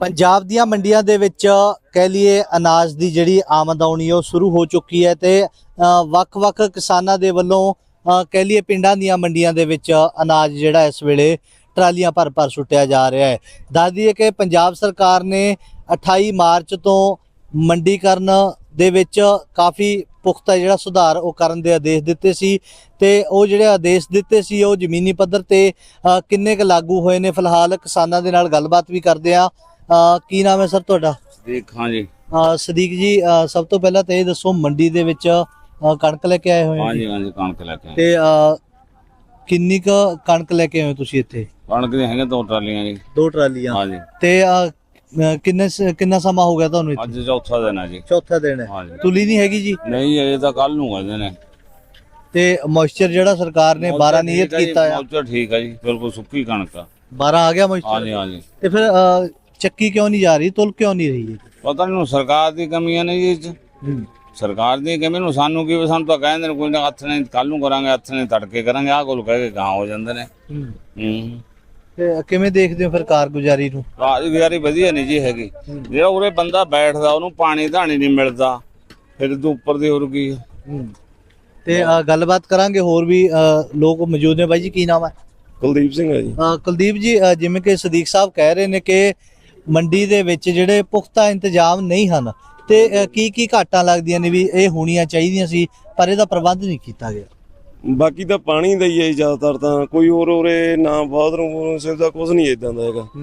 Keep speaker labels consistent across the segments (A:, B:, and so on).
A: ਪੰਜਾਬ ਦੀਆਂ ਮੰਡੀਆਂ ਦੇ ਵਿੱਚ ਕਹਿ ਲਈਏ ਅਨਾਜ ਦੀ ਜਿਹੜੀ ਆਮਦ ਆਉਣੀ ਉਹ ਸ਼ੁਰੂ ਹੋ ਚੁੱਕੀ ਹੈ ਤੇ ਵੱਖ-ਵੱਖ ਕਿਸਾਨਾਂ ਦੇ ਵੱਲੋਂ ਕਹਿ ਲਈਏ ਪਿੰਡਾਂ ਦੀਆਂ ਮੰਡੀਆਂ ਦੇ ਵਿੱਚ ਅਨਾਜ ਜਿਹੜਾ ਇਸ ਵੇਲੇ ਟਰਾਲੀਆਂ ਭਰ ਸੁੱਟਿਆ ਜਾ ਰਿਹਾ ਹੈ। ਦੱਸ ਦਈਏ ਕਿ ਪੰਜਾਬ ਸਰਕਾਰ ਨੇ 28 ਮਾਰਚ ਤੋਂ ਮੰਡੀਕਰਨ ਦੇ ਵਿੱਚ ਕਾਫੀ ਪੁਖਤਾ ਜਿਹੜਾ ਸੁਧਾਰ ਉਹ ਕਰਨ ਦੇ ਆਦੇਸ਼ ਦਿੱਤੇ ਸੀ ਤੇ ਉਹ ਜਿਹੜੇ ਆਦੇਸ਼ ਦਿੱਤੇ ਸੀ ਉਹ ਜ਼ਮੀਨੀ ਪੱਧਰ ਤੇ ਕਿੰਨੇ ਕੁ ਲਾਗੂ ਹੋਏ ਨੇ। ਫਿਲਹਾਲ ਕਿਸਾਨਾਂ ਦੇ ਨਾਲ ਗੱਲਬਾਤ ਵੀ ਕਰਦੇ ਆ। ਕੀ ਨਾਮ ਹੈ ਸਰ ਤੁਹਾਡਾ?
B: ਸਦੀਕ। ਹਾਂ ਜੀ
A: ਸਦੀਕ ਜੀ, ਸਭ ਤੋਂ ਪਹਿਲਾਂ ਤਾਂ ਇਹ ਦੱਸੋ ਮੰਡੀ ਦੇ ਵਿੱਚ ਕਣਕ ਲੈ ਕੇ ਆਏ ਹੋਏ
B: ਹਾਂ ਜੀ ਕਣਕ ਲੈ ਕੇ
A: ਤੇ ਕਿੰਨੀ ਕੁ ਕਣਕ ਲੈ ਕੇ ਆਏ ਹੋ ਤੁਸੀਂ ਇੱਥੇ?
B: ਕਣਕ ਦੇ ਹੈਗੇ 2 ਟਰਾਲੀਆਂ ਜੀ।
A: 2 ਟਰਾਲੀਆਂ।
B: ਹਾਂ ਜੀ।
A: ਤੇ ਕਿੰਨਾ ਸਮਾਂ ਹੋ ਗਿਆ ਤੁਹਾਨੂੰ ਇੱਥੇ?
B: ਅੱਜ ਚੌਥਾ ਦਿਨ ਹੈ ਜੀ।
A: ਚੌਥਾ ਦਿਨ ਹੈ।
B: ਹਾਂ ਜੀ।
A: ਤੁਲੀ ਨਹੀਂ ਹੈਗੀ ਜੀ?
B: ਨਹੀਂ, ਇਹ ਤਾਂ ਕੱਲ ਨੂੰ ਕਹਿੰਦੇ ਨੇ।
A: ਤੇ ਮੋਇਸਚਰ ਜਿਹੜਾ ਸਰਕਾਰ ਨੇ 12 ਨਿਯਤ ਕੀਤਾ ਹੈ?
B: ਮੋਇਸਚਰ ਠੀਕ ਹੈ ਜੀ, ਬਿਲਕੁਲ ਸੁੱਕੀ ਕਣਕ ਆ।
A: 12 ਆ ਗਿਆ ਮੋਇਸਚਰ?
B: ਹਾਂ ਜੀ ਹਾਂ ਜੀ।
A: ਤੇ ਫਿਰ ਚੱਕੀ ਕਿਉਂ ਨਹੀਂ ਜਾ ਰਹੀ, ਤੁਲ ਕਿਉਂ ਨਹੀਂ ਰਹੀ?
B: ਪਤਾ ਨਹੀਂ ਸਰਕਾਰ ਦੀ ਕਮੀਆਂ ਨੇ ਜੀ। ਸਰਕਾਰ ਦੀ ਕਮੀ ਨੂੰ ਸਾਨੂੰ ਕੀ, ਸਾਨੂੰ ਤਾਂ ਕਹਿੰਦੇ ਨੇ ਕੋਈ ਨਾ ਹੱਥ ਨੇ ਕੱਲ ਨੂੰ ਕਰਾਂਗੇ, ਹੱਥ ਨੇ ਤੜਕੇ ਕਰਾਂਗੇ, ਆਹ ਕੋਲ ਕਹਿ ਕੇ ਗਾਂ ਹੋ ਜਾਂਦੇ ਨੇ।
A: ਤੇ ਕਿਵੇਂ ਦੇਖਦੇ ਹੋ ਫਿਰ ਕਾਰਗੁਜ਼ਾਰੀ ਨੂੰ?
B: ਕਾਰਗੁਜ਼ਾਰੀ ਵਧੀਆ ਨਹੀਂ ਜੀ ਹੈਗੀ। ਜਿਹੜਾ ਉਰੇ ਬੰਦਾ ਬੈਠਦਾ ਉਹਨੂੰ ਪਾਣੀ ਧਾਣੀ ਨਹੀਂ ਮਿਲਦਾ, ਫਿਰ ਤੂੰ ਉੱਪਰ ਦੀ ਹੋਰ ਕੀ।
A: ਤੇ ਗੱਲਬਾਤ ਕਰਾਂਗੇ, ਹੋਰ ਵੀ ਲੋਕ ਮੌਜੂਦ ਨੇ। ਬਾਈ ਜੀ ਕੀ ਨਾਮ ਹੈ?
C: ਕੁਲਦੀਪ ਸਿੰਘ ਹੈ ਜੀ।
A: ਕੁਲਦੀਪ ਜੀ, ਜਿਵੇਂ ਕਿ ਸਦੀਕ ਸਾਹਿਬ ਕਹਿ ਰਹੇ ਨੇ ਕਿ ਮੰਡੀ ਦੇ ਵਿੱਚ ਜਿਹੜੇ ਪੁਖਤਾ ਇੰਤਜ਼ਾਮ ਨਹੀਂ ਹਨ ਤੇ ਕੀ ਘਾਟਾਂ ਲੱਗਦੀਆਂ ਨੇ ਵੀ ਇਹ ਹੋਣੀਆਂ ਚਾਹੀਦੀਆਂ ਸੀ ਪਰ ਇਹਦਾ ਪ੍ਰਬੰਧ ਨਹੀਂ ਕੀਤਾ ਗਿਆ।
C: ਬਾਕੀ ਤਾਂ ਪਾਣੀ ਦਾ ਹੀ ਹੈ ਜ਼ਿਆਦਾਤਰ, ਤਾਂ ਕੋਈ ਹੋਰ ਉਰੇ ਨਾ ਬਾਥਰੂਮ ਸੁਵਿਧਾ ਕੁਝ ਨਹੀਂ ਇਦਾਂ ਦਾ ਹੈਗਾ।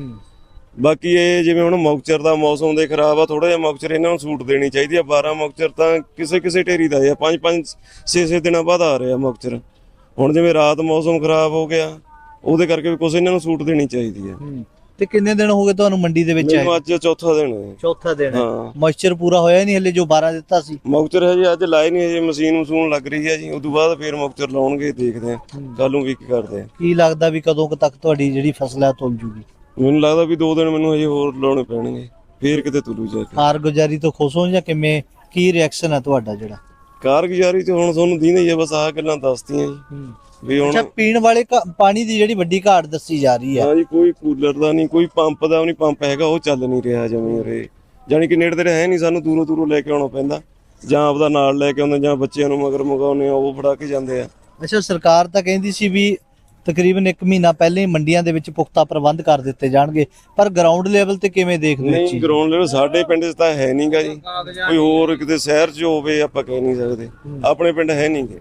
C: ਬਾਕੀ ਇਹ ਜਿਵੇਂ ਹੁਣ ਮੌਕਚਰ ਦਾ ਮੌਸਮ ਦੇ ਖਰਾਬ ਆ, ਥੋੜਾ ਜਿਹਾ ਮੌਕਚਰ ਇਹਨਾਂ ਨੂੰ ਛੂਟ ਦੇਣੀ ਚਾਹੀਦੀ ਆ। 12 ਮੌਕਚਰ ਤਾਂ ਕਿਸੇ ਢੇਰੀ ਦਾ ਆ, 5 6 ਦਿਨਾਂ ਬਾਅਦ ਆ ਰਿਹਾ ਮੌਕਚਰ। ਹੁਣ ਜਿਵੇਂ ਰਾਤ ਮੌਸਮ ਖਰਾਬ ਹੋ ਗਿਆ ਉਹਦੇ ਕਰਕੇ ਵੀ ਕੁਝ ਇਹਨਾਂ ਨੂੰ ਛੂਟ ਦੇਣੀ ਚਾਹੀਦੀ ਆ।
A: ਤੇ ਕਿੰਨੇ ਦਿਨ ਹੋ ਗਏ ਤੁਹਾਨੂੰ ਮੰਡੀ ਦੇ ਵਿੱਚ ਆਏ?
C: ਅੱਜ ਚੌਥਾ ਦਿਨ ਹੈ।
A: ਚੌਥਾ ਦਿਨ ਹੈ।
C: ਹਾਂ।
A: ਮੋਇਸਚਰ ਪੂਰਾ ਹੋਇਆ ਨਹੀਂ ਹਲੇ ਜੋ 12 ਦਿੱਤਾ ਸੀ?
C: ਮੌਕਚਰ ਹੈ ਜੀ ਅੱਜ ਲਾਏ ਨਹੀਂ, ਹਜੇ ਮਸ਼ੀਨ ਲੱਗ ਰਹੀ ਹੈ ਜੀ। ਉਸ ਤੋਂ ਬਾਅਦ ਫਿਰ ਮੌਕਚਰ ਲਾਉਣਗੇ, ਦੇਖਦੇ ਆ ਕੱਲ ਨੂੰ ਕੀ ਕਰਦੇ ਆ।
A: ਕੀ ਲੱਗਦਾ ਵੀ ਕਦੋਂ ਤੱਕ ਤੁਹਾਡੀ ਜਿਹੜੀ ਫਸਲ ਹੈ ਤੁਲ ਜੂਗੀ?
C: ਮੈਨੂੰ ਲੱਗਦਾ ਵੀ 2 ਦਿਨ ਮੈਨੂੰ ਹਜੇ ਹੋਰ ਲਾਉਣੇ ਪੈਣਗੇ, ਫੇਰ ਕਿਤੇ ਤੁਲੂ ਜਾ ਕੇ।
A: ਕਾਰਗੁਜ਼ਾਰੀ ਤੋਂ ਖੁਸ਼ ਹੋ ਜਾਂ ਕਿਵੇਂ, ਕੀ ਰਿਐਕਸ਼ਨ ਹੈ ਤੁਹਾਡਾ? ਜਿਹੜਾ
C: ਕਾਰਗੁਜ਼ਾਰੀ ਤੇ ਹੁਣ ਤੁਹਾਨੂੰ ਦੀਨੇ ਹੀ ਆ, ਬਸ ਆਹ ਗੱਲਾਂ ਦੱਸਤੀਆਂ ਜੀ ਵੀ ਹੁਣ।
A: ਅੱਛਾ, ਪੀਣ ਵਾਲੇ ਪਾਣੀ ਦੀ ਜਿਹੜੀ ਵੱਡੀ ਘਾਟ ਦੱਸੀ ਜਾ ਰਹੀ ਹੈ?
C: ਹਾਂ ਜੀ, ਕੋਈ ਕੂਲਰ ਦਾ ਨਹੀਂ, ਕੋਈ ਪੰਪ ਦਾ ਨਹੀਂ, ਪੰਪ ਹੈਗਾ ਉਹ ਚੱਲ ਨਹੀਂ ਰਿਹਾ ਜਮੀਂ ਉਰੇ। ਜਾਣੀ ਕਿ ਨੇੜੇ ਤੇੜੇ ਹੈ ਨਹੀਂ, ਸਾਨੂੰ ਦੂਰੋਂ ਲੈ ਕੇ ਆਉਣਾ ਪੈਂਦਾ, ਜਾਂ ਆਪਦਾ ਨਾਲ ਲੈ ਕੇ ਆਉਂਦੇ, ਜਾਂ ਬੱਚਿਆਂ ਨੂੰ ਮਗਰ ਮੰਗਾਉਂਦੇ ਆ, ਉਹ ਫੜਾ ਕੇ ਜਾਂਦੇ ਆ।
A: ਅੱਛਾ, ਸਰਕਾਰ ਤਾਂ ਕਹਿੰਦੀ ਸੀ ਵੀ ਤਕਰੀਬਨ 1 ਮਹੀਨਾ ਪਹਿਲੇ ਹੀ ਮੰਡੀਆਂ ਦੇ ਵਿੱਚ ਪੁਖਤਾ ਪ੍ਰਬੰਧ ਕਰ ਦਿੱਤੇ ਜਾਣਗੇ, ਪਰ ਗਰਾਊਂਡ ਲੈਵਲ ਤੇ ਕਿਵੇਂ ਦੇਖਦੇ ਹੋ?
C: ਨਹੀਂ, ਗਰਾਊਂਡ ਲੈਵਲ ਸਾਡੇ ਪਿੰਡ 'ਚ ਤਾਂ ਹੈ ਨਹੀਂਗਾ ਜੀ। ਕੋਈ ਹੋਰ ਕਿਤੇ ਸ਼ਹਿਰ 'ਚ ਹੋਵੇ ਆਪਾਂ ਕਹਿ ਨਹੀਂ ਸਕਦੇ, ਆਪਣੇ ਪਿੰਡ ਹੈ ਨਹੀਂਗੇ।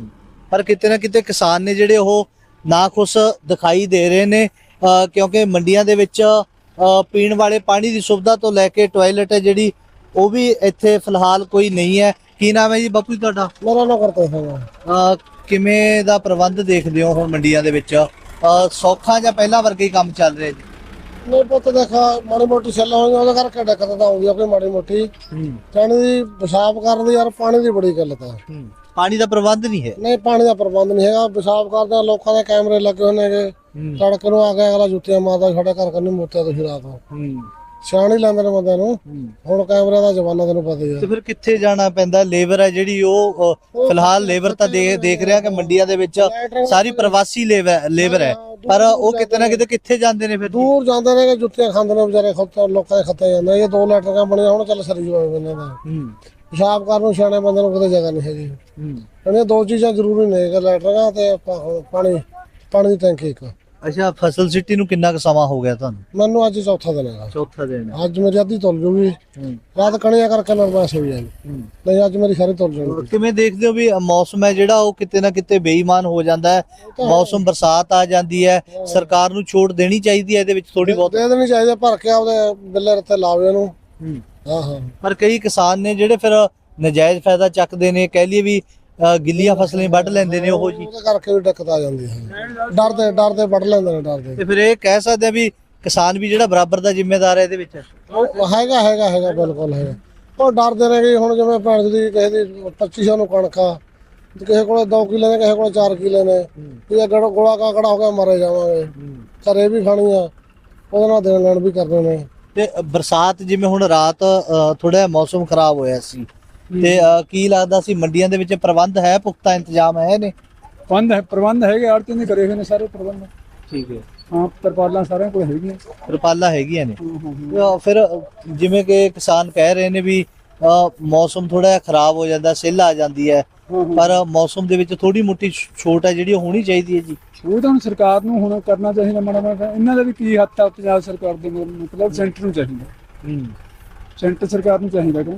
A: ਪਰ ਕਿਤੇ ਨਾ ਕਿਤੇ ਕਿਸਾਨ ਨੇ ਜਿਹੜੇ ਉਹ ਨਾਖੁਸ਼ ਦਿਖਾਈ ਦੇ ਰਹੇ ਨੇ, ਕਿਉਂਕਿ ਮੰਡੀਆਂ ਦੇ ਵਿੱਚ ਪੀਣ ਵਾਲੇ ਪਾਣੀ ਦੀ ਸੁਵਿਧਾ ਤੋਂ ਲੈ ਕੇ ਟਾਇਲਟ ਹੈ ਜਿਹੜੀ ਉਹ ਵੀ ਇੱਥੇ ਫਿਲਹਾਲ ਕੋਈ ਨਹੀਂ ਹੈ। ਕੀ ਨਾਮ ਹੈ ਜੀ ਬਾਪੂ ਜੀ ਤੁਹਾਡਾ?
D: ਮੇਰਾ ਨਾ ਕਰਤੇ ਹੈ।
A: ਕਿਵੇਂ ਦਾ ਪ੍ਰਬੰਧ ਦੇਖਦੇ ਹੋ ਹੁਣ ਮੰਡੀਆਂ ਦੇ ਵਿੱਚ? ਸੌਖਾ ਜਾਂ ਪਹਿਲਾਂ ਵਰਗੇ ਹੀ ਕੰਮ ਚੱਲ ਰਿਹਾ ਜੀ?
D: ਨਹੀਂ ਪੁੱਤ, ਦੇਖਾ ਮਾੜੀ ਮੋਟੀ ਸੈੱਲ ਹੋਈ ਉਹਦੇ ਕਰਕੇ ਦਿੱਕਤ ਤਾਂ ਆਉਂਦੀ ਆ ਕੋਈ ਮਾੜੀ ਮੋਟੀ। ਪਾਣੀ ਦੀ ਪਿਸ਼ਾਬ ਕਰਨ ਦੀ ਯਾਰ ਪਾਣੀ ਦੀ ਬੜੀ ਗੱਲ ਤਾਂ।
A: ਪਾਣੀ ਦਾ ਪ੍ਰਬੰਧ ਨਹੀਂ ਹੈ?
D: ਨਹੀਂ, ਪਾਣੀ ਦਾ ਪ੍ਰਬੰਧ ਨਹੀਂ ਹੈਗਾ। ਪਿਸ਼ਾਬ ਕਰਦੇ ਲੋਕਾਂ ਦੇ ਕੈਮਰੇ ਲੱਗੇ ਹੋਏ ਨੇਗੇ, ਤੜਕੇ ਨੂੰ ਆ ਕੇ ਅਗਲਾ ਜੁੱਤੀਆਂ ਮਾਰਦਾ, ਸਾਡੇ ਘਰ ਕੰਨੀ ਮੋਤਿਆ ਤੁਸੀਂ ਰਾਤ ਨੂੰ ਸਿਆਣੀ ਲੈਂਦੇ ਨੇ ਬੰਦਿਆਂ ਨੂੰ। ਹੁਣ ਕੈਮਰੇ ਦਾ ਜ਼ਮਾਨਾ ਤੈਨੂੰ ਪਤਾ ਹੀ ਆ।
A: ਤੇ ਫਿਰ ਕਿੱਥੇ ਜਾਣਾ ਪੈਂਦਾ? ਲੇਬਰ ਹੈ ਜਿਹੜੀ ਉਹ ਫਿਲਹਾਲ ਲੇਬਰ ਤਾਂ ਦੇਖ ਰਿਹਾ ਕਿ ਮੰਡੀਆਂ ਦੇ ਵਿੱਚ ਸਾਰੀ ਪ੍ਰਵਾਸੀ ਲੇਬਰ ਹੈ, ਪਰ ਉਹ ਕਿਤੇ ਨਾ ਕਿਤੇ ਕਿੱਥੇ ਜਾਂਦੇ ਨੇ? ਫਿਰ
D: ਦੂਰ ਜਾਂਦੇ ਨੇ, ਜੁੱਤੀਆਂ ਖਾਂਦੇ ਨੇ ਵਿਚਾਰੇ, ਲੋਕਾਂ ਦੇ ਖੱਤੇ ਜਾਂਦੇ। ਇਹ 2 ਲੈਟਰਾਂ ਬਣੀਆਂ ਹੁਣ, ਚੱਲ ਸਰੀ ਹੋਏ ਬੰਦੇ ਦਾ। ਪਿਸ਼ਾਬ ਕਰਨ ਨੂੰ ਸਿਆਣੇ ਬੰਦੇ ਨੂੰ ਕਿਤੇ ਜਗ੍ਹਾ ਨਹੀਂ ਹੈਗੀ। ਇਹ 2 ਚੀਜ਼ਾਂ ਜ਼ਰੂਰੀ ਨੇ, ਲੈਟਰਾਂ ਤੇ ਪਾਣੀ ਦੀ ਟੈਂਕੀ ਇੱਕ।
A: ਅੱਛਾ, ਫਸਲ ਸਿੱਟੀ ਨੂੰ ਕਿੰਨਾ ਕੁ ਸਮਾਂ ਹੋ ਗਿਆ ਤੁਹਾਨੂੰ?
D: ਮੈਨੂੰ ਅੱਜ ਚੌਥਾ ਦਿਨ ਹੈਗਾ।
A: ਚੌਥਾ ਦਿਨ।
D: ਅੱਜ ਮੇਰੀ ਅੱਧੀ ਤੁਲ ਜੂਗੀ, ਰਾਤ ਕਣੀਆਂ ਕਰਕੇ ਨਰਮਾਸ ਹੋ ਜਾਏਗੀ, ਨਹੀਂ ਅੱਜ ਮੇਰੀ ਸਾਰੀ ਤੁਲ ਜੂਗੀ।
A: ਕਿਵੇਂ ਦੇਖਦੇ ਹੋ ਵੀ ਮੌਸਮ ਹੈ ਜਿਹੜਾ ਉਹ ਕਿਤੇ ਨਾ ਕਿਤੇ ਬੇਈਮਾਨ ਹੋ ਜਾਂਦਾ ਹੈ? ਮੌਸਮ ਬਰਸਾਤ ਆ ਜਾਂਦੀ ਹੈ, ਸਰਕਾਰ ਨੂੰ ਛੋਟ ਦੇਣੀ ਚਾਹੀਦੀ ਹੈ ਇਹਦੇ ਵਿੱਚ ਥੋੜੀ ਬਹੁਤ?
D: ਦੇ ਦੇਣੀ ਚਾਹੀਦੀ, ਭਰ ਕੇ ਆਪਦੇ ਬਿੱਲੇ ਰੱਤੇ ਲਾਵੇ ਇਹਨੂੰ। ਹਾਂ। ਪਰ
A: ਕਈ ਕਿਸਾਨ ਨੇ ਜਿਹੜੇ ਫਿਰ ਨਜਾਇਜ਼ ਫਾਇਦਾ ਚੱਕਦੇ ਨੇ, ਕਹਿ ਲਈਏ ਵੀ ਗਿੱਲੀਆਂ ਫਸਲਾਂ ਵੱਢ ਲੈਂਦੇ ਨੇ ਉਹ ਜੀ।
D: ਉਹਦੇ ਕਰਕੇ ਵੀ ਦਿੱਕਤ ਆ ਜਾਂਦੀ ਹੈ, ਡਰਦੇ ਵੱਢ ਲੈਂਦੇ ਨੇ, ਡਰਦੇ।
A: ਤੇ ਫਿਰ ਇਹ ਕਹਿ ਸਕਦੇ ਆ ਵੀ ਕਿਸਾਨ ਵੀ ਜਿਹੜਾ ਬਰਾਬਰ ਦਾ ਜ਼ਿੰਮੇਦਾਰ ਹੈ ਇਹਦੇ ਵਿੱਚ?
D: ਹੈਗਾ ਬਿਲਕੁਲ ਹੈਗਾ। ਉਹ ਡਰਦੇ ਨੇ ਕਿ ਹੁਣ ਜਿਵੇਂ ਭੈਣ ਦੀ ਕਿਸੇ ਦੀ 2500 ਨੂੰ ਕਣਕ ਆ, ਕਿਸੇ ਕੋਲੇ 2 ਕਿੱਲੇ ਨੇ, ਕਿਸੇ ਕੋਲੇ 4 ਕਿੱਲੇ ਨੇ, ਇਹ ਗੋਲਾ ਕਾਕੜਾ ਹੋ ਗਿਆ ਮਰੇ ਜਾਵਾਂਗੇ, ਘਰੇ ਵੀ ਖਾਣੀ ਆ, ਉਹਦੇ ਨਾਲ ਦੇਣ ਲੈਣ ਵੀ ਕਰਦੇ ਨੇ।
A: ਤੇ ਬਰਸਾਤ ਜਿਵੇਂ ਹੁਣ ਰਾਤ ਥੋੜਾ ਮੌਸਮ ਖਰਾਬ ਹੋਇਆ ਸੀ ਤੇ ਕੀ ਲੱਗਦਾ ਸੀ ਮੰਡੀਆਂ ਦੇ ਵਿੱਚ ਪ੍ਰਬੰਧ ਹੈ, ਪੁਖਤਾ ਇੰਤਜ਼ਾਮ ਹੈ ਨੇ?
E: ਪ੍ਰਬੰਧ ਹੈਗੇ, ਆੜਤੀਆਂ ਨੇ ਕਰੇ ਹੋਏ ਨੇ ਸਾਰੇ ਪ੍ਰਬੰਧ।
A: ਠੀਕ ਹੈ।
E: ਹਾਂ ਤਰਪਾਲਾਂ ਸਾਰਿਆਂ ਕੋਲ ਹੈਗੀਆਂ।
A: ਤਰਪਾਲਾਂ ਹੈਗੀਆਂ ਨੇ।
E: ਹਾਂ
A: ਫਿਰ ਜਿਵੇਂ ਕਿ ਕਿਸਾਨ ਕਹਿ ਰਹੇ ਨੇ ਵੀ ਮੌਸਮ ਥੋੜਾ ਜਿਹਾ ਖਰਾਬ ਹੋ ਜਾਂਦਾ, ਸਿੱਲ ਆ ਜਾਂਦੀ ਹੈ, ਪਰ ਮੌਸਮ ਦੇ ਵਿੱਚ ਥੋੜੀ ਮੋਟੀ ਛੋਟ ਹੈ ਜਿਹੜੀ ਉਹ ਹੋਣੀ ਚਾਹੀਦੀ ਹੈ ਜੀ।
E: ਉਹ ਤਾਂ ਹੁਣ ਸਰਕਾਰ ਨੂੰ ਹੁਣ ਕਰਨਾ ਚਾਹੀਦਾ ਮਾੜਾ ਮਾੜਾ। ਇਹਨਾਂ ਦਾ ਵੀ ਕੀ ਹੱਥ ਆ ਪੰਜਾਬ ਸਰਕਾਰ ਦੇ, ਮਤਲਬ ਸੈਂਟਰ ਨੂੰ ਚਾਹੀਦਾ, ਸੈਂਟਰ ਸਰਕਾਰ ਨੂੰ ਚਾਹੀਦਾ ਕਿ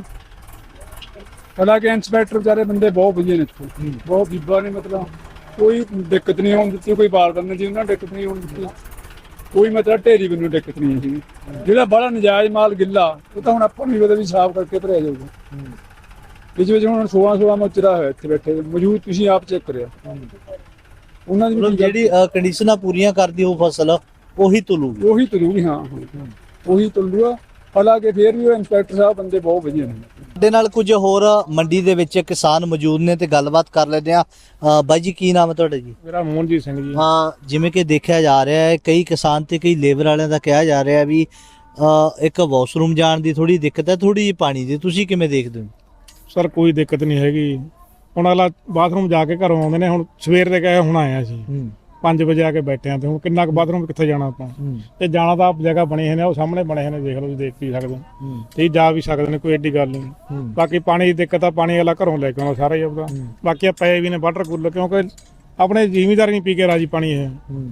E: ਹਾਲਾਂਕਿ ਇੰਸਪੈਕਟਰ ਵਿਚਾਰੇ ਬੰਦੇ ਬਹੁਤ ਵਧੀਆ ਨੇ ਇੱਥੇ, ਬਹੁਤ ਬੀਬਾ ਨੇ, ਮਤਲਬ ਕੋਈ ਦਿੱਕਤ ਨਹੀਂ ਆਉਣ ਦਿੱਤੀ, ਕੋਈ ਬਾਰਦਾਨੇ ਜੀ ਉਹਨਾਂ ਦਿੱਕਤ ਨਹੀਂ ਆਉਣ ਦਿੱਤੀ, ਕੋਈ ਮਤਲਬ ਢੇਰੀ ਮੈਨੂੰ ਦਿੱਕਤ ਨਹੀਂ ਸੀ। ਜਿਹੜਾ ਬੜਾ ਨਜਾਇਜ਼ ਮਾਲ ਗਿੱਲਾ ਉਹ ਤਾਂ ਹੁਣ ਆਪਾਂ ਨੂੰ ਵੀ ਸਾਫ਼ ਕਰਕੇ ਭਰਿਆ ਜਾਊਗਾ। ਵਿੱਚ ਹੁਣ 16 ਮੋਚਰਾ ਹੋਇਆ ਇੱਥੇ ਬੈਠੇ ਮੌਜੂਦ, ਤੁਸੀਂ ਆਪ ਚੈੱਕ ਕਰਿਆ ਉਹਨਾਂ ਦੀ
A: ਜਿਹੜੀ ਕੰਡੀਸ਼ਨਾਂ ਪੂਰੀਆਂ ਕਰਦੀ ਉਹ ਫਸਲ ਉਹੀ ਤੁਲੂਗੀ।
E: ਉਹੀ ਤੁਲੂਗੀ। ਹਾਂ ਉਹੀ ਤੁਲੂਗਾ। ਹਾਲਾਂਕਿ ਫੇਰ ਵੀ ਉਹ ਇੰਸਪੈਕਟਰ ਸਾਹਿਬ ਬੰਦੇ ਬਹੁਤ ਵਧੀਆ ਨੇ।
A: ਸਾਡੇ ਨਾਲ ਕੁਝ ਹੋਰ ਮੰਡੀ ਦੇ ਵਿੱਚ ਕਿਸਾਨ ਮੌਜੂਦ ਨੇ ਤੇ ਗੱਲਬਾਤ ਕਰ ਲੈਂਦੇ ਆ। ਬਾਈ ਜੀ ਕੀ ਨਾਮ ਹੈ ਤੁਹਾਡਾ ਜੀ?
E: ਮੇਰਾ ਮੋਹਨਜੀਤ ਸਿੰਘ ਜੀ।
A: ਹਾਂ, ਜਿਵੇਂ ਕਿ ਦੇਖਿਆ ਜਾ ਰਿਹਾ ਹੈ ਕਈ ਕਿਸਾਨ ਤੇ ਕਈ ਲੇਬਰ ਵਾਲਿਆਂ ਦਾ ਕਿਹਾ ਜਾ ਰਿਹਾ ਵੀ ਇੱਕ ਵਾਸ਼ਰੂਮ ਜਾਣ ਦੀ ਥੋੜੀ ਦਿੱਕਤ ਹੈ, ਥੋੜੀ ਜਿਹੀ ਪਾਣੀ ਦੀ, ਤੁਸੀਂ ਕਿਵੇਂ ਦੇਖਦੇ ਹੋ?
F: ਸਰ ਕੋਈ ਦਿੱਕਤ ਨਹੀਂ ਹੈਗੀ। ਹੁਣ ਅਗਲਾ ਬਾਥਰੂਮ ਜਾ ਕੇ ਘਰੋਂ ਆਉਂਦੇ ਨੇ, ਹੁਣ ਸਵੇਰ ਦੇ ਗਏ, ਹੁਣ ਆਏ ਅਸੀਂ 5 ਵਜੇ ਆ ਕੇ ਬੈਠੇ ਆ, ਤੇ ਹੁਣ ਕਿੰਨਾ ਕੁ ਬਾਥਰੂਮ ਕਿੱਥੇ ਜਾਣਾ ਆਪਾਂ? ਤੇ ਜਾਣਾ ਤਾਂ ਜਗ੍ਹਾ ਬਣੀ ਹੋਈ ਨੇ, ਉਹ ਸਾਹਮਣੇ ਬਣੇ ਹੋਏ ਨੇ, ਦੇਖ ਲਓ, ਤੁਸੀਂ ਦੇਖ ਵੀ ਸਕਦੇ ਹੋ, ਤੇ ਜਾ ਵੀ ਸਕਦੇ ਨੇ, ਕੋਈ ਐਡੀ ਗੱਲ ਨਹੀਂ। ਬਾਕੀ ਪਾਣੀ ਦੀ ਦਿੱਕਤ ਆ, ਪਾਣੀ ਵਾਲਾ ਘਰੋਂ ਲੈ ਕੇ ਆਉਣਾ ਸਾਰਾ ਹੀ ਆਪਦਾ। ਬਾਕੀ ਆ ਪਏ ਵੀ ਨੇ ਵਾਟਰ ਕੂਲਰ, ਕਿਉਂਕਿ ਆਪਣੇ ਜ਼ਿਮੀਂਦਾਰ ਨਹੀਂ ਪੀ ਕੇ ਰਾਜੀ ਪਾਣੀ। ਇਹ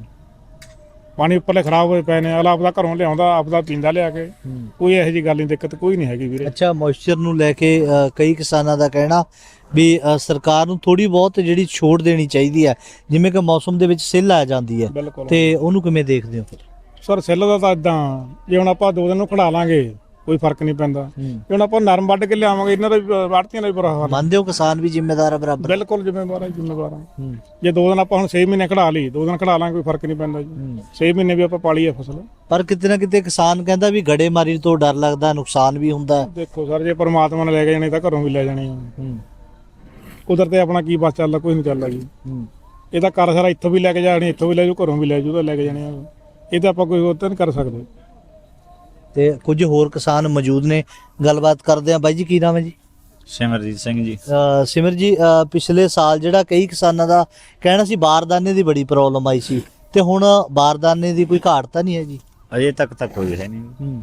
F: ਪਾਣੀ ਉੱਪਰਲੇ ਖਰਾਬ ਹੋਏ ਪਏ ਨੇ, ਅਗਲਾ ਆਪਦਾ ਘਰੋਂ ਲਿਆਉਂਦਾ, ਆਪਦਾ ਪੀਂਦਾ ਲਿਆ ਕੇ, ਕੋਈ ਇਹੋ ਜਿਹੀ ਗੱਲ ਨਹੀਂ, ਦਿੱਕਤ ਕੋਈ ਨਹੀਂ ਹੈਗੀ ਵੀਰੇ।
A: ਅੱਛਾ, ਮੋਇਸਚਰ ਨੂੰ ਲੈ ਕੇ ਕਈ ਕਿਸਾਨਾਂ ਦਾ ਕਹਿਣਾ ਵੀ ਸਰਕਾਰ ਨੂੰ ਥੋੜੀ ਬਹੁਤ ਜਿਹੜੀ ਛੋਟ ਦੇਣੀ ਚਾਹੀਦੀ ਹੈ, ਜਿਵੇਂ ਕਿ ਮੌਸਮ ਦੇ ਵਿੱਚ ਸਿੱਲ ਆ ਜਾਂਦੀ ਹੈ,
F: ਬਿਲਕੁਲ।
A: ਤੇ ਉਹਨੂੰ ਕਿਵੇਂ ਦੇਖਦੇ ਹੋ ਫਿਰ?
F: ਸਰ ਸੈੱਲ ਦਾ ਤਾਂ ਇਦਾਂ, ਜੇ ਹੁਣ ਆਪਾਂ 2 ਦਿਨ ਨੂੰ ਖੜਾ ਲਾਂਗੇ ਕੋਈ ਫਰਕ ਨਹੀਂ ਪੈਂਦਾ। ਜੇ ਹੁਣ ਆਪਾਂ ਨਰਮ ਵੱਢ ਕੇ ਲਿਆਵਾਂਗੇ, ਇਹਨਾਂ ਦਾ ਵੀ ਆੜ੍ਹਤੀਆਂ ਦਾ ਵੀ ਬੁਰਾ ਹਾਲ।
A: ਮੰਨਦੇ ਹੋ ਕਿਸਾਨ ਵੀ ਜ਼ਿੰਮੇਦਾਰ ਹੈ ਬਰਾਬਰ?
F: ਬਿਲਕੁਲ ਜ਼ਿੰਮੇਵਾਰ ਹੈ, ਜ਼ਿੰਮੇਵਾਰ ਹੈ। ਜੇ 2 ਦਿਨ ਆਪਾਂ ਹੁਣ 6 ਮਹੀਨੇ ਖੜਾ ਲਈ, 2 ਦਿਨ ਖੜਾ ਲਾਂਗੇ, ਕੋਈ ਫਰਕ ਨਹੀਂ ਪੈਂਦਾ ਜੀ। 6 ਮਹੀਨੇ ਵੀ ਆਪਾਂ ਪਾਲੀ ਹੈ ਫਸਲ।
A: ਪਰ ਕਿਤੇ ਨਾ ਕਿਤੇ ਕਿਸਾਨ ਕਹਿੰਦਾ ਵੀ ਗੜੇਮਾਰੀ ਤੋਂ ਡਰ ਲੱਗਦਾ, ਨੁਕਸਾਨ ਵੀ ਹੁੰਦਾ ਹੈ।
F: ਦੇਖੋ ਸਰ, ਜੇ ਪਰਮਾਤਮਾ ਨੇ ਲੈ ਕੇ ਜਾਣੀ ਤਾਂ ਘਰੋਂ ਵੀ ਲੈ ਜਾਣੀ ਆ। ਕੁਦਰਤ ਤੇ ਆਪਣਾ ਕੀ ਬਸ ਚੱਲਦਾ, ਕੋਈ ਨਹੀਂ ਚੱਲਦਾ ਜੀ। ਇਹ ਤਾਂ ਕਰ ਸਾਰਾ ਇੱਥੋਂ ਵੀ ਲੈ ਕੇ ਜਾਣੀ, ਇੱਥੋਂ ਵੀ ਲੈ ਜਾਊ, ਘਰੋਂ ਵੀ ਲੈ ਜਾਊ, ਤਾਂ ਲੈ ਕੇ ਜਾਣੇ ਆ। ਇਹ ਤਾਂ ਆਪਾਂ ਕੋਈ ਹੋਰ ਤਾਂ ਨਹੀਂ ਕਰ ਸਕਦੇ।
A: ਤੇ ਕੁਝ ਹੋਰ ਕਿਸਾਨ ਮੌਜੂਦ ਨੇ, ਗੱਲਬਾਤ ਕਰਦੇ ਆ। ਬਾਈ ਜੀ ਕੀ ਨਾਮ ਹੈ ਜੀ?
G: ਸਿਮਰਜੀਤ ਸਿੰਘ ਜੀ।
A: ਸਿਮਰ ਜੀ, ਪਿਛਲੇ ਸਾਲ ਜਿਹੜਾ ਕਈ ਕਿਸਾਨਾਂ ਦਾ ਕਹਿਣਾ ਸੀ ਬਾਰਦਾਨੇ ਦੀ ਬੜੀ ਪ੍ਰੋਬਲਮ ਆਈ ਸੀ, ਤੇ ਹੁਣ ਬਾਰਦਾਨੇ ਦੀ ਕੋਈ ਘਾਟ ਤਾਂ ਨਹੀਂ ਹੈ ਜੀ?
G: ਅਜੇ ਤੱਕ ਤਾਂ ਕੋਈ ਹੈ ਨਹੀਂ,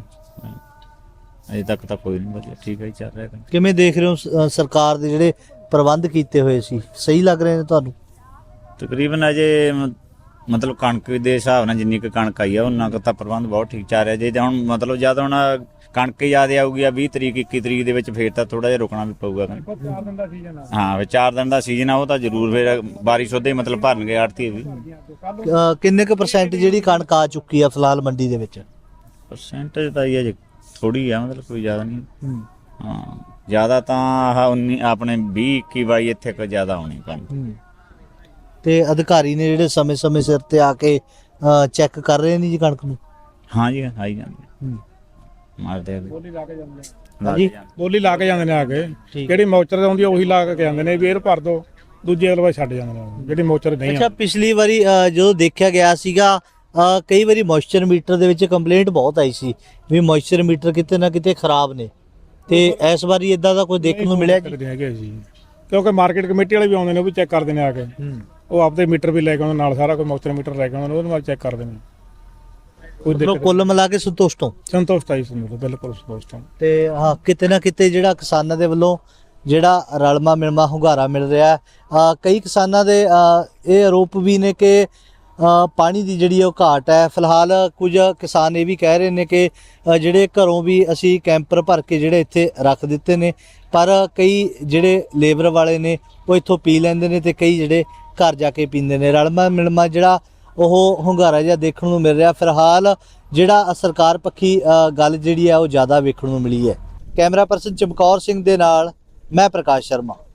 G: ਅਜੇ ਤੱਕ ਤਾਂ ਕੋਈ ਨਹੀਂ, ਵਧੀਆ ਠੀਕ ਹੈ ਚੱਲ ਰਿਹਾ ਕੰਮ।
A: ਕਿਵੇਂ ਦੇਖ ਰਹੇ ਹੋ ਸਰਕਾਰ ਦੇ ਜਿਹੜੇ ਪ੍ਰਬੰਧ ਕੀਤੇ ਹੋਏ ਸੀ, ਸਹੀ ਲੱਗ ਰਹੇ ਨੇ ਤੁਹਾਨੂੰ?
G: ਤਕਰੀਬਨ ਅਜੇ ਮਤਲਬ ਕਣਕ ਦੇ ਹਿਸਾਬ ਨਾਲ ਜਿੰਨੀ ਕੁ ਕਣਕ ਆਈ ਆ ਉਹਨਾਂ ਕੁ ਤਾਂ ਪ੍ਰਬੰਧ ਬਹੁਤ ਠੀਕ ਚੱਲ ਰਿਹਾ। ਜੇ ਹੁਣ ਮਤਲਬ ਜਦ ਹੁਣ ਕਣਕ ਜ਼ਿਆਦਾ ਆਊਗੀ 20 ਤਰੀਕ 21 ਤਰੀਕ ਦੇ ਵਿੱਚ, ਫੇਰ ਤਾਂ ਥੋੜਾ ਜਿਹਾ ਰੁਕਣਾ ਵੀ ਪਊਗਾ।
F: 4 ਦਿਨ ਦਾ ਸੀਜ਼ਨ ਆ।
G: ਹਾਂ, ਫਿਰ 4 ਦਿਨ ਦਾ ਸੀਜ਼ਨ ਆ, ਉਹ ਤਾਂ ਜ਼ਰੂਰ ਫੇਰ ਬਾਰਿਸ਼ ਉਹਦੇ ਮਤਲਬ ਭਰਨਗੇ ਆੜ੍ਹਤੀ ਵੀ।
A: ਕਿੰਨੇ ਕੁ % ਜਿਹੜੀ ਕਣਕ ਆ ਚੁੱਕੀ ਆ ਫਿਲਹਾਲ ਮੰਡੀ ਦੇ ਵਿੱਚ?
G: ਪਰਸੈਂਟੇਜ ਤਾਂ ਇਹ ਅਜੇ ਥੋੜੀ ਆ, ਮਤਲਬ ਕੋਈ ਜ਼ਿਆਦਾ ਨਹੀਂ। ਹਾਂ, ਜ਼ਿਆਦਾ ਤਾਂ ਆਹ 19 ਆਪਣੇ 20 21 22 ਇੱਥੇ ਕੋਈ ਜ਼ਿਆਦਾ ਹੋਣੀ ਕਣਕ।
A: ਤੇ ਅਧਿਕਾਰੀ ਨੇ ਜਿਹੜੇ ਸਮੇਂ-ਸਮੇਂ ਸਿਰ ਤੇ ਆ ਕੇ ਚੈੱਕ ਕਰ ਰਹੇ ਨੇ ਜੀ ਕਣਕ ਨੂੰ?
G: ਹਾਂ ਜੀ, ਆਈ ਜਾਂਦੇ ਮਾਰਦੇ ਆ
F: ਬੋਲੀ ਲਾ ਕੇ ਜਾਂਦੇ
A: ਹਾਂਜੀ,
F: ਬੋਲੀ ਲਾ ਕੇ ਜਾਂਦੇ ਨੇ ਆ ਕੇ। ਜਿਹੜੀ ਮੌਚਰ ਆਉਂਦੀ ਆ ਉਹੀ ਲਾ ਕੇ ਜਾਂਦੇ ਨੇ, ਵੀ ਇਹ ਭਰ ਦੋ, ਦੂਜੇ ਅਗਲੇ ਪਾਸੇ ਛੱਡ ਜਾਂਦੇ ਨੇ ਜਿਹੜੀ ਮੌਚਰ ਨਹੀਂ।
A: ਅੱਛਾ, ਪਿਛਲੀ ਵਾਰੀ ਜਦੋਂ ਦੇਖਿਆ ਗਿਆ ਸੀਗਾ ਕਈ ਵਾਰੀ ਮੋਇਸਚਰ ਮੀਟਰ ਦੇ ਵਿੱਚ ਕੰਪਲੇਂਟ ਬਹੁਤ ਆਈ ਸੀ ਵੀ ਮੋਇਸਚਰ ਮੀਟਰ ਕਿਤੇ ਨਾ ਕਿਤੇ ਖਰਾਬ ਨੇ, ਤੇ ਇਸ ਵਾਰੀ ਇਦਾਂ ਦਾ ਕੋਈ ਦੇਖਣ ਨੂੰ ਮਿਲਿਆ ਜੀ?
F: ਹੈਗੇ ਜੀ, ਕਿਉਂਕਿ ਮਾਰਕੀਟ ਕਮੇਟੀ ਵਾਲੇ ਵੀ ਆਉਂਦੇ ਨੇ, ਉਹ ਵੀ ਚੈੱਕ ਕਰਦੇ ਨੇ ਆ ਕੇ। ਉਹ ਆਪਦੇ ਮੀਟਰ ਵੀ ਲੈ ਕੇ ਆਉਂਦੇ ਨਾਲ, ਸਾਰਾ ਕੋਈ ਮੌਚਰ ਮੀਟਰ ਲੈ ਕੇ ਆਉਂਦੇ ਨੇ, ਉਹਦੇ ਨਾਲ ਚੈੱਕ ਕਰਦੇ ਨੇ। ਕੋਈ
A: ਮਤਲਬ ਕੁੱਲ ਮਿਲਾ ਕੇ ਸੰਤੁਸ਼ਟ ਹੋ?
F: ਸੰਤੁਸ਼ਟ ਆਈ ਸੰਤੁਸ਼ਟ, ਬਿਲਕੁਲ ਸੰਤੁਸ਼ਟ।
A: ਤੇ ਹਾਂ, ਕਿਤੇ ਨਾ ਕਿਤੇ ਜਿਹੜਾ ਕਿਸਾਨਾਂ ਦੇ ਵੱਲੋਂ ਜਿਹੜਾ ਰਲਮਾ ਮਿਲਮਾ ਹੁੰਗਾਰਾ ਮਿਲ ਰਿਹਾ, ਕਈ ਕਿਸਾਨਾਂ ਦੇ ਇਹ ਆਰੋਪ ਵੀ ਨੇ ਕਿ ਪਾਣੀ ਦੀ ਜਿਹੜੀ ਉਹ ਘਾਟ ਹੈ। ਫਿਲਹਾਲ ਕੁਝ ਕਿਸਾਨ ਇਹ ਵੀ ਕਹਿ ਰਹੇ ਨੇ ਕਿ ਜਿਹੜੇ ਘਰੋਂ ਵੀ ਅਸੀਂ ਕੈਂਪਰ ਭਰ ਕੇ ਜਿਹੜੇ ਇੱਥੇ ਰੱਖ ਦਿੱਤੇ ਨੇ, ਪਰ ਕਈ ਜਿਹੜੇ ਲੇਬਰ ਵਾਲੇ ਨੇ ਉਹ ਇੱਥੋਂ ਪੀ ਲੈਂਦੇ ਨੇ, ਤੇ ਕਈ ਜਿਹੜੇ ਘਰ ਜਾ ਕੇ ਪੀਂਦੇ ਨੇ। ਰਲਮਾ ਮਿਲਮਾ ਜਿਹੜਾ ਉਹ ਹੁੰਗਾਰਾ ਜਿਹਾ ਦੇਖਣ ਨੂੰ ਮਿਲ ਰਿਹਾ। ਫਿਲਹਾਲ ਜਿਹੜਾ ਸਰਕਾਰ ਪੱਖੀ ਗੱਲ ਜਿਹੜੀ ਹੈ ਉਹ ਜ਼ਿਆਦਾ ਵੇਖਣ ਨੂੰ ਮਿਲੀ ਹੈ। ਕੈਮਰਾ ਪਰਸਨ ਚਮਕੌਰ ਸਿੰਘ ਦੇ ਨਾਲ ਮੈਂ ਪ੍ਰਕਾਸ਼ ਸ਼ਰਮਾ।